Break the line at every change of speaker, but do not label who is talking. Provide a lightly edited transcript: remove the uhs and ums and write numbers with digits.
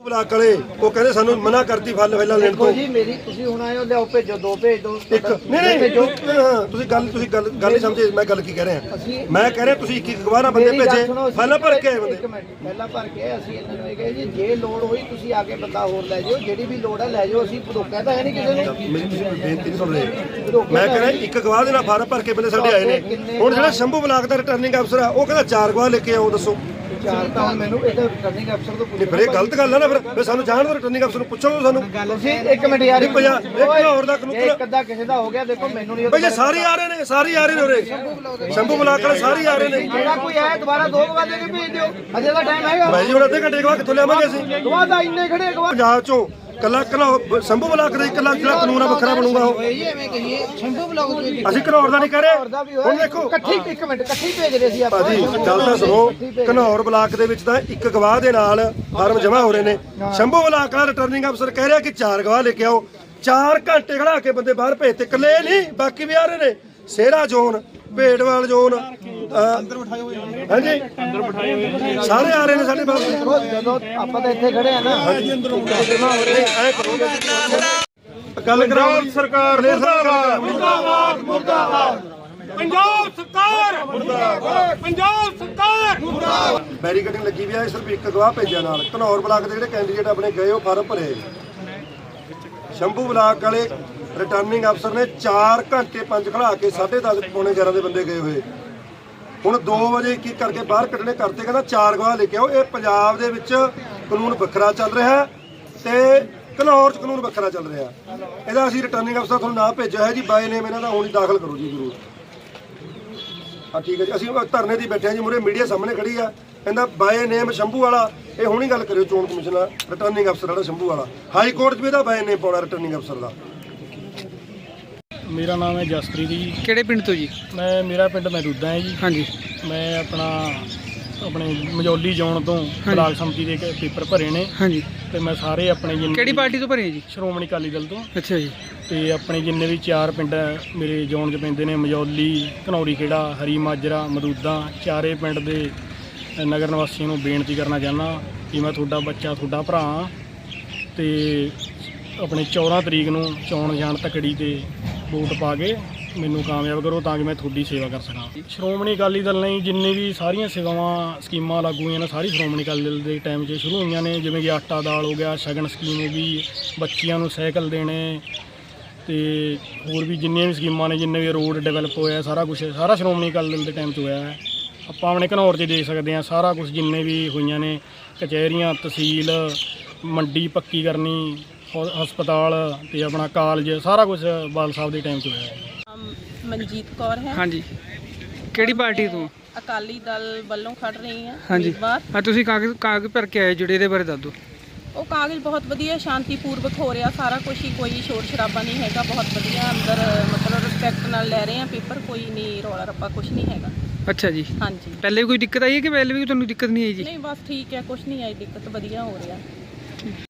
Block ਵਾਲੇ ਉਹ ਕਹਿੰਦੇ ਸਾਨੂੰ ਮਨਾ ਕਰਤੀ ਫਲ ਪਹਿਲਾਂ ਲੈਣ ਤੋਂ
ਜੀ ਮੇਰੀ ਤੁਸੀਂ ਹੁਣ ਆਏ ਹੋ ਲਿਆਓ ਭੇਜੋ ਦੋ ਭੇਜ ਦੋ
ਇੱਕ ਨਹੀਂ ਤੁਸੀਂ ਗੱਲ ਨਹੀਂ ਸਮਝੇ ਮੈਂ ਗੱਲ ਕੀ ਕਹਿ ਰਿਹਾ ਮੈਂ ਕਹਿ ਰਿਹਾ ਤੁਸੀਂ ਇੱਕ ਗਵਾਰਾ ਬੰਦੇ ਭੇਜੇ ਫਲ ਭਰ ਕੇ ਆਏ ਬੰਦੇ
ਇੱਕ ਮਿੰਟ ਪਹਿਲਾਂ ਭਰ ਕੇ ਅਸੀਂ ਇਹਨਾਂ ਨੂੰ ਇਹ ਕਹੇ ਜੀ ਜੇ ਲੋੜ ਹੋਈ ਤੁਸੀਂ ਆ ਕੇ ਬੰਦਾ ਹੋਰ ਲੈ ਜਾਓ ਜਿਹੜੀ ਵੀ ਲੋੜ ਹੈ ਲੈ ਜਾਓ ਅਸੀਂ ਰੋਕਿਆ ਤਾਂ ਹੈ ਨਹੀਂ ਕਿਸੇ ਨੂੰ
ਮੇਰੀ ਤੁਸੀਂ ਬੇਨਤੀ ਨਹੀਂ ਸੁਣ ਰਹੇ ਮੈਂ ਕਹਿ ਰਿਹਾ ਇੱਕ ਗਵਾਹ ਦੇ ਨਾਲ ਫਾਰਮ ਭਰ ਕੇ ਬੰਦੇ ਸਾਡੇ ਆਏ ਨੇ ਹੁਣ ਜਿਹੜਾ ਸ਼ੰਭੂ ਬਲਾਕ ਦਾ ਰਿਟਰਨਿੰਗ ਅਫਸਰ ਆ ਉਹ ਕਹਿੰਦਾ 4 ਗਵਾਹ ਲੈ ਕੇ ਆਓ ਦੱਸੋ
ਚਾਰ ਤਾਂ ਹੁਣ ਮੈਨੂੰ ਇਹ ਰਿਟਰਨਿੰਗ ਅਫਸਰ ਤੋਂ
ਫਿਰ ਇਹ ਗਲਤ ਗੱਲ ਆ ਨਾ ਫਿਰ ਸਾਨੂੰ ਜਾਣ ਦੋ ਰਿਟਰਨਿੰਗ ਅਫਸਰ ਨੂੰ ਪੁੱਛੋ ਸਾਨੂੰ
ਤੁਸੀਂ ਇੱਕ ਮਿੰਟ ਯਾਰ
ਇੱਕ ਹੋਰ ਦਾ ਕਾਨੂੰਨ
ਇੱਕ ਅੱਧਾ ਕਿਸੇ ਦਾ ਹੋ ਗਿਆ ਦੇਖੋ ਮੈਨੂੰ ਨਹੀਂ
ਬਈ ਸਾਰੇ ਆ ਰਹੇ ਨੇ ਉਰੇ ਸ਼ੰਭੂ ਬਲਾਕ ਵਾਲੇ ਸਾਰੇ ਆ ਰਹੇ ਨੇ
ਜਿਹੜਾ ਕੋਈ ਆਇਆ ਦੁਬਾਰਾ 2 ਵਜੇ ਦੇ ਕੇ ਭੇਜ ਦਿਓ ਅਜੇ ਦਾ ਟਾਈਮ ਹੈਗਾ
ਭਾਈ ਜੀ ਹੁਣ ਅੱਧੇ ਘੰਟੇ ਬਾਅਦ ਕਿੱਥੋਂ ਲਿਆਵਾਂਗੇ ਅਸੀਂ
ਦੁਬਾਰਾ ਦਾ ਇੰਨੇ ਖੜੇ
ਪੰਜਾਬ ਚੋਂ ਕੱਲਾ ਸ਼ੰਭੂ ਬਲਾਕ ਦਾ ਇਕੱਲਾ ਜਿਹੜਾ ਕਾਨੂੰਨ ਆ ਵੱਖਰਾ ਬਣੂਗਾ ਉਹ
ਐਵੇਂ ਕਹੀਏ ਸ਼ੰਭੂ ਬਲਾਕ ਦੇ
ਅਸੀਂ ਘਨੌਰ ਦਾ ਨਹੀਂ ਕਹਿ ਰਹੇ ਹੁਣ ਦੇਖੋ
ਇਕੱਠੀ ਇੱਕ ਮਿੰਟ ਇਕੱਠੀ ਭੇਜ ਰਹੇ ਸੀ ਆਪਾਂ
ਭਾਜੀ ਗੱਲ ਤਾਂ ਸੁਣੋ ਘਨੌਰ ਬਲਾਕ ਦੇ ਵਿੱਚ ਤਾਂ ਇੱਕ ਗਵਾਹ ਦੇ ਨਾਲ ਫਾਰਮ ਜਮ੍ਹਾਂ ਹੋ ਰਹੇ ਨੇ ਸ਼ੰਭੂ ਬਲਾਕ ਦਾ ਰਿਟਰਨਿੰਗ ਅਫਸਰ ਕਹਿ ਰਿਹਾ ਕਿ 4 ਗਵਾਹ ਲੈ ਕੇ ਆਓ 4 ਘੰਟੇ ਖੜਾ ਕੇ ਬੰਦੇ ਬਾਹਰ ਭੇਜਤੇ ਇਕੱਲੇ ਨਹੀਂ ਬਾਕੀ ਵੀ ਆ ਰਹੇ ਨੇ ਸੇਰਾ ਜ਼ੋਨ ਭੇਡਵਾਲ ਜ਼ੋਨ ਅੰਦਰ ਬਿਠਾਏ ਹੋਏ ਹਾਂਜੀ ਅੰਦਰ ਬਿਠਾਏ ਹੋਏ ਸਾਰੇ ਆ ਰਹੇ ਨੇ ਸਾਡੇ ਬਾਹਰ
ਜਦੋਂ ਆਪਾਂ ਤਾਂ ਇੱਥੇ ਖੜੇ ਆ ਨਾ ਹਾਂਜੀ ਅੰਦਰ ਜਮ੍ਹਾਂ ਹੋ ਰਹੇ ਐ ਕਰੋਗੇ
ਗੱਲ ਕਰਾਓ ਸਰਕਾਰ ਨੇ
ਮੁਰਦਾਬਾਦ ਮੁਰਦਾਬਾਦ
ਪੰਜਾਬ ਸਰਕਾਰ ਮੁਰਦਾਬਾਦ ਪੰਜਾਬ ਸਰਕਾਰ ਮੁਰਦਾਬਾਦ
ਬੈਰੀਕੇਡਿੰਗ ਲੱਗੀ ਵੀ ਆ ਸਿਰਫ ਇੱਕ ਗਵਾਹ ਭੇਜਿਆ ਨਾਲ ਘਨੌਰ ਬਲਾਕ ਦੇ ਜਿਹੜੇ ਕੈਂਡੀਡੇਟ ਆਪਣੇ ਗਏ ਉਹ ਫਾਰਮ ਭਰੇ ਸ਼ੰਭੂ ਬਲਾਕ ਵਾਲੇ ਰਿਟਰਨਿੰਗ ਅਫਸਰ ਨੇ 4 ਘੰਟੇ 5 ਖੜਾ ਕੇ 10:30 ਪੌਣੇ 11 ਦੇ ਬੰਦੇ ਗਏ ਹੋਏ ਹੁਣ 2 ਵਜੇ ਕੀ ਕਰਕੇ ਬਾਹਰ ਕੱਢਣੇ ਕਰਤੇ ਕਹਿੰਦਾ 4 ਗਵਾਹ ਲੈ ਕੇ ਆਓ ਇਹ ਪੰਜਾਬ ਦੇ ਵਿੱਚ ਕਾਨੂੰਨ ਵੱਖਰਾ ਚੱਲ ਰਿਹਾ ਤੇ ਘਨੌਰ 'ਚ ਕਾਨੂੰਨ ਵੱਖਰਾ ਚੱਲ ਰਿਹਾ ਇਹਦਾ ਅਸੀਂ ਰਿਟਰਨਿੰਗ ਅਫਸਰ ਤੁਹਾਨੂੰ ਨਾ ਭੇਜਿਆ ਹੈ ਜੀ ਬਾਏ ਨੇਮ ਇਹਨਾਂ ਦਾ ਹੁਣ ਹੀ ਦਾਖਲ ਕਰੋ ਜੀ ਜ਼ਰੂਰ ਹਾਂ ਠੀਕ ਹੈ ਜੀ ਅਸੀਂ ਧਰਨੇ ਦੀ ਬੈਠੇ ਹਾਂ ਜੀ ਮੂਹਰੇ ਮੀਡੀਆ ਸਾਹਮਣੇ ਖੜੀ ਆ ਕਹਿੰਦਾ ਬਾਏ ਨੇਮ ਸ਼ੰਭੂ ਵਾਲਾ ਇਹ ਹੁਣੀ ਗੱਲ ਕਰਿਓ ਚੋਣ ਕਮਿਸ਼ਨਰ ਰਿਟਰਨਿੰਗ ਅਫਸਰ ਜਿਹੜਾ ਸ਼ੰਭੂ ਵਾਲਾ ਹਾਈ ਕੋਰਟ 'ਚ ਵੀ ਇਹਦਾ ਬਾਏ ਨੇਮ ਪਾਉਣਾ ਰਿਟਰਨਿੰਗ ਅਫਸਰ ਦਾ।
ਮੇਰਾ ਨਾਮ ਹੈ ਜਸਪ੍ਰੀਤ ਜੀ।
ਕਿਹੜੇ ਪਿੰਡ ਤੋਂ ਜੀ?
ਮੇਰਾ ਪਿੰਡ ਮਹਿਦੂਦਾ ਹੈ ਜੀ।
ਹਾਂਜੀ।
ਮੈਂ ਆਪਣੇ ਮਜੌਲੀ ਜ਼ੋਨ ਤੋਂ ਬਲਾਕ ਸੰਮਤੀ ਦੇ ਪੇਪਰ ਭਰੇ ਨੇ।
ਹਾਂਜੀ।
ਤੇ ਮੈਂ ਸਾਰੇ ਆਪਣੇ ਜਿੰਨੇ
ਕਿਹੜੀ ਪਾਰਟੀ ਤੋਂ ਭਰੇ ਜੀ?
ਸ਼੍ਰੋਮਣੀ ਅਕਾਲੀ ਦਲ ਤੋਂ।
ਅੱਛਾ ਜੀ।
ਤੇ ਆਪਣੇ ਜਿੰਨੇ ਵੀ 4 ਪਿੰਡ ਮੇਰੇ ਜ਼ੋਨ 'ਚ ਪੈਂਦੇ ਨੇ ਮਜੌਲੀ, ਘਨੌਰੀ ਖੇੜਾ, ਹਰੀ ਮਾਜਰਾ, ਮਦੂਦਾ, ਚਾਰੇ ਪਿੰਡ ਦੇ ਨਗਰ ਨਿਵਾਸੀਆਂ ਨੂੰ ਬੇਨਤੀ ਕਰਨਾ ਚਾਹੁੰਦਾ ਕਿ ਮੈਂ ਤੁਹਾਡਾ ਬੱਚਾ ਤੁਹਾਡਾ ਭਰਾ ਹਾਂ ਤੇ ਆਪਣੇ 14 ਤਰੀਕ ਨੂੰ ਚੋਣ ਨਿਸ਼ਾਨ ਤਕੜੀ ਤੇ ਵੋਟ ਪਾ ਕੇ ਮੈਨੂੰ ਕਾਮਯਾਬ ਕਰੋ ਤਾਂ ਕਿ ਮੈਂ ਤੁਹਾਡੀ ਸੇਵਾ ਕਰ ਸਕਾਂ। ਸ਼੍ਰੋਮਣੀ ਅਕਾਲੀ ਦਲ ਨੇ ਜਿੰਨੇ ਵੀ ਸਾਰੀਆਂ ਸੇਵਾਵਾਂ ਸਕੀਮਾਂ ਲਾਗੂ ਹੋਈਆਂ ਨੇ ਸਾਰੀ ਸ਼੍ਰੋਮਣੀ ਅਕਾਲੀ ਦਲ ਦੇ ਟਾਈਮ 'ਚ ਸ਼ੁਰੂ ਹੋਈਆਂ ਨੇ ਜਿਵੇਂ ਕਿ ਆਟਾ ਦਾਲ ਹੋ ਗਿਆ, ਸ਼ਗਨ ਸਕੀਮ ਹੋ ਗਈ, ਬੱਚਿਆਂ ਨੂੰ ਸਾਈਕਲ ਦੇਣੇ ਤੇ ਹੋਰ ਵੀ ਜਿੰਨੀਆਂ ਵੀ ਸਕੀਮਾਂ ਨੇ ਜਿੰਨੇ ਵੀ ਰੋਡ ਡਿਵੈਲਪ ਹੋਇਆ ਸਾਰਾ ਕੁਝ ਸਾਰਾ ਸ਼੍ਰੋਮਣੀ ਅਕਾਲੀ ਦਲ ਦੇ ਟਾਈਮ 'ਚ ਹੋਇਆ ਹੈ। ਆਪਾਂ ਆਪਣੇ ਘਨੌਰ 'ਚ ਦੇਖ ਸਕਦੇ ਹਾਂ ਸਾਰਾ ਕੁਝ ਜਿੰਨੇ ਵੀ ਹੋਈਆਂ ਨੇ ਕਚਹਿਰੀਆਂ, ਤਹਿਸੀਲ, ਮੰਡੀ ਪੱਕੀ ਕਰਨੀ, ਹਸਪਤਾਲ ਤੇ ਆਪਣਾ ਕਾਲਜ ਸਾਰਾ ਕੁਝ ਬਾਲ ਸਾਹਿਬ ਦੇ ਟਾਈਮ 'ਚ ਹੋਇਆ ਹੈ।
ਮਨਜੀਤ ਕੌਰ ਹੈ।
ਹਾਂਜੀ। ਕਿਹੜੀ ਪਾਰਟੀ ਤੋਂ?
ਅਕਾਲੀ ਦਲ ਵੱਲੋਂ ਖੜ ਰਹੀ ਹਾਂ।
ਹਾਂਜੀ। ਹਾਂ ਤੁਸੀਂ ਕਾਗਜ਼ ਭਰ ਕੇ ਆਏ ਜਿਹੜੇ ਇਹਦੇ ਬਾਰੇ ਦੱਸ ਦਿਓ।
ਉਹ ਕਾਗਜ਼ ਬਹੁਤ ਵਧੀਆ ਸ਼ਾਂਤੀਪੂਰਵਕ ਹੋ ਰਿਹਾ ਸਾਰਾ ਕੁਝ ਹੀ, ਕੋਈ ਸ਼ੋਰ ਸ਼ਰਾਬਾ ਨਹੀਂ ਹੈਗਾ, ਬਹੁਤ ਵਧੀਆ ਅੰਦਰ ਮਤਲਬ ਰਿਸਪੈਕਟ ਨਾਲ ਲੈ ਰਹੇ ਆ ਪੇਪਰ, ਕੋਈ ਨਹੀਂ ਰੌਲਾ ਰੱਪਾ ਕੁਝ ਨਹੀਂ ਹੈਗਾ।
ਅੱਛਾ ਜੀ।
ਹਾਂਜੀ।
ਪਹਿਲੇ ਵੀ ਕੋਈ ਦਿੱਕਤ ਆਈ ਹੈ ਕਿ ਪਹਿਲੇ ਵੀ ਤੁਹਾਨੂੰ ਦਿੱਕਤ ਨਹੀਂ ਆਈ ਜੀ?
ਨਹੀਂ ਬਸ ਠੀਕ ਹੈ, ਕੁਝ ਨਹੀਂ ਆਈ ਦਿੱਕਤ, ਵਧੀਆ ਹੋ ਰਿਹਾ।